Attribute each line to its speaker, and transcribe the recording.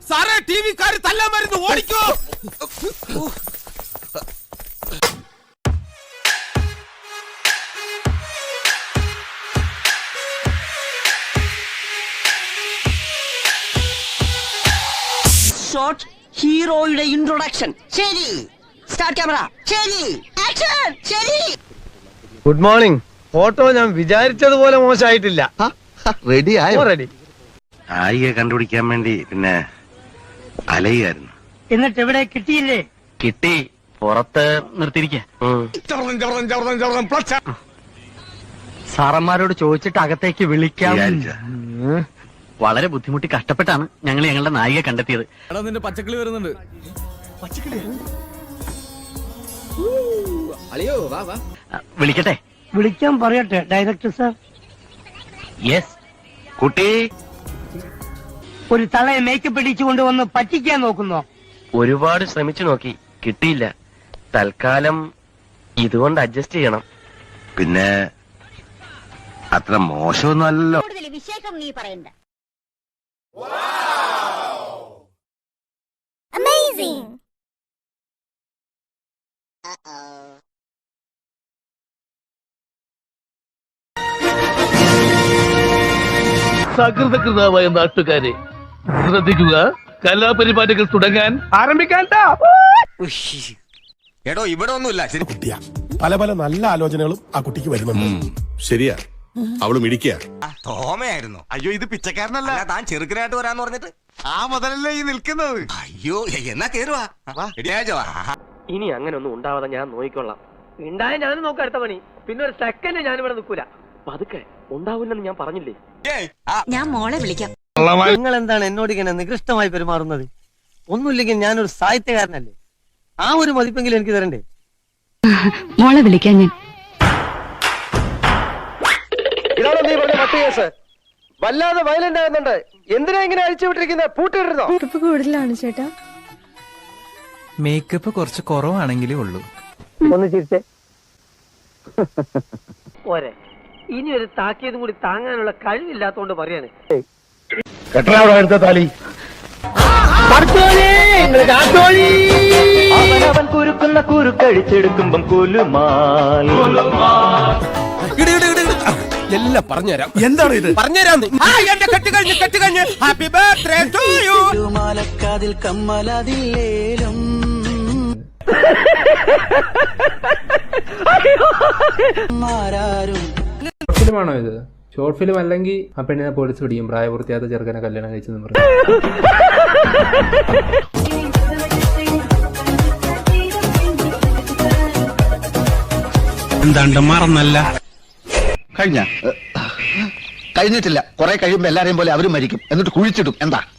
Speaker 1: സാറേ ടി വിക്കാര് തല്ലാൻ വരുന്നു, ഓടിക്കോ.
Speaker 2: ഷോട്ട് ഹീറോയുടെ ഇൻട്രൊഡക്ഷൻ. ശരി, സ്റ്റാർട്ട് ക്യാമറ. ശരി, ആക്ഷൻ. ശരി.
Speaker 3: Good morning. ഫോട്ടോ ഞാൻ വിചാരിച്ചതുപോലെ മോശമായിട്ടില്ല.
Speaker 4: റെഡി ആയോ?
Speaker 3: റെഡി.
Speaker 4: നായികയെ കണ്ടുപിടിക്കാൻ വേണ്ടി പിന്നെ അലയായിരുന്നു.
Speaker 2: എന്നിട്ട് എവിടെ കിട്ടിയില്ലേ?
Speaker 5: കിട്ടി, പുറത്ത് നിർത്തിയിരിക്ക. സാറന്മാരോട് ചോദിച്ചിട്ട് അകത്തേക്ക് വിളിക്കാം. വളരെ ബുദ്ധിമുട്ടി കഷ്ടപ്പെട്ടാണ് ഞങ്ങൾ ഞങ്ങളുടെ നായിക കണ്ടെത്തിയത്.
Speaker 1: നിന്റെ പച്ചക്കിളി വരുന്നുണ്ട്.
Speaker 5: വിളിക്കട്ടെ?
Speaker 2: വിളിക്കാൻ പറയട്ടെ ഡയറക്ടർ സാർ?
Speaker 5: യെസ്.
Speaker 4: കുട്ടി,
Speaker 2: ഒരു തളയെ മേക്കപ്പ് ഇടിച്ചുകൊണ്ട് വന്ന് പറ്റിക്കാൻ നോക്കുന്നോ?
Speaker 5: ഒരുപാട് ശ്രമിച്ചു നോക്കി, കിട്ടിയില്ല. തൽക്കാലം ഇതുകൊണ്ട് അഡ്ജസ്റ്റ് ചെയ്യണം.
Speaker 4: പിന്നെ അത്ര മോശമൊന്നും അല്ലല്ലോ.
Speaker 6: വിശേഷം നീ പറയണ്ട. Amazing.
Speaker 7: സകൃതകൃതാവായ നാട്ടുകാരെ ശ്രദ്ധിക്കുക, കലാപരിപാടികൾ തുടങ്ങാൻ ആരംഭിക്കാൻ.
Speaker 1: എടോ ഇവിടെ ഒന്നുമില്ല. ശരി,
Speaker 8: കുട്ടിയാ, പല പല നല്ല ആലോചനകളും ആ കുട്ടിക്ക് വരുന്നുണ്ട്. ശരിയാ, അവള് മിടിക്കുക.
Speaker 1: തോമയായിരുന്നു. അയ്യോ ഇത് പിച്ചക്കാരനല്ല, താൻ ചെറുക്കനായിട്ട് വരാന്ന് പറഞ്ഞിട്ട് ആ മുതലല്ലേ ഈ നിൽക്കുന്നത്. അയ്യോ എന്നാ കേറുവാ.
Speaker 5: ഇനി അങ്ങനെ ഒന്നും ഉണ്ടാവാതെ ഞാൻ നോക്കിക്കൊള്ളാം.
Speaker 2: ഉണ്ടായ ഞാനും നോക്കാം അടുത്ത പണി. പിന്നെ ഒരു സെക്കൻഡ് ഞാനിവിടെ നിൽക്കൂല.
Speaker 5: പതുക്കെ ഉണ്ടാവില്ലെന്ന് ഞാൻ പറഞ്ഞില്ലേ.
Speaker 6: ഞാൻ മോളെ വിളിക്കാം.
Speaker 2: നിങ്ങൾ എന്താണ് എന്നോട് ഇങ്ങനെ നികൃഷ്ടമായി പെരുമാറുന്നത്? ഒന്നുമില്ലെങ്കിൽ ഞാനൊരു സാഹിത്യകാരനല്ലേ? ആ ഒരു മതിപ്പെങ്കിലും എനിക്ക് തരണ്ടേ?
Speaker 6: മോളെ വിളിക്കാൻ ഞാൻ.
Speaker 3: ഇതാണോ നീ പറഞ്ഞ മറ്റു കേസ്? വല്ലാതെ വയലന്റ് ആകുന്നുണ്ട്. എന്തിനാ ഇങ്ങനെ അഴിച്ചു വിട്ടിരിക്കുന്നത്? പൂട്ടിയിടുന്നോ?
Speaker 9: കൂടുതലാണ് ചേട്ടാ.
Speaker 10: മേക്കപ്പ് കുറച്ച് കുറവാണെങ്കിലേ ഉള്ളൂ.
Speaker 2: ഒന്ന് ചിരിച്ചേ പോരെ. ഇനി ഒരു താക്കിയതും കൂടി താങ്ങാനുള്ള കഴിവില്ലാത്തോണ്ട് പറയാണ്.
Speaker 3: എടുത്ത താലി
Speaker 5: അവൻ കുരുക്കുന്ന കുരുക്കഴിച്ചെടുക്കുമ്പം കുലുമാൽ.
Speaker 1: എല്ലാം പറഞ്ഞുതരാം. എന്താണ് ഇത്? പറഞ്ഞുതരാം. എന്റെ കെട്ട് കഴിഞ്ഞ് ഹാപ്പി ബർത്ത്ഡേ ടു യു.
Speaker 2: മാലക്കാതിൽ കമ്മലതില്ലേലും
Speaker 10: ഫിലിമാണോ ഇത്? ഷോർട്ട് ഫിലിം അല്ലെങ്കിൽ ആ പെണ്ണിനെ പോലീസ് പിടിക്കും, പ്രായപൂർത്തിയാത്ത ചെറുക്കനെ കല്യാണം കഴിച്ചെന്ന് പറഞ്ഞു.
Speaker 8: എന്താണ്ട് മറന്നല്ല.
Speaker 4: കഴിഞ്ഞിട്ടില്ല. കുറെ കഴിയുമ്പോ എല്ലാരെയും പോലെ അവരും മരിക്കും, എന്നിട്ട് കുഴിച്ചിടും. എന്താ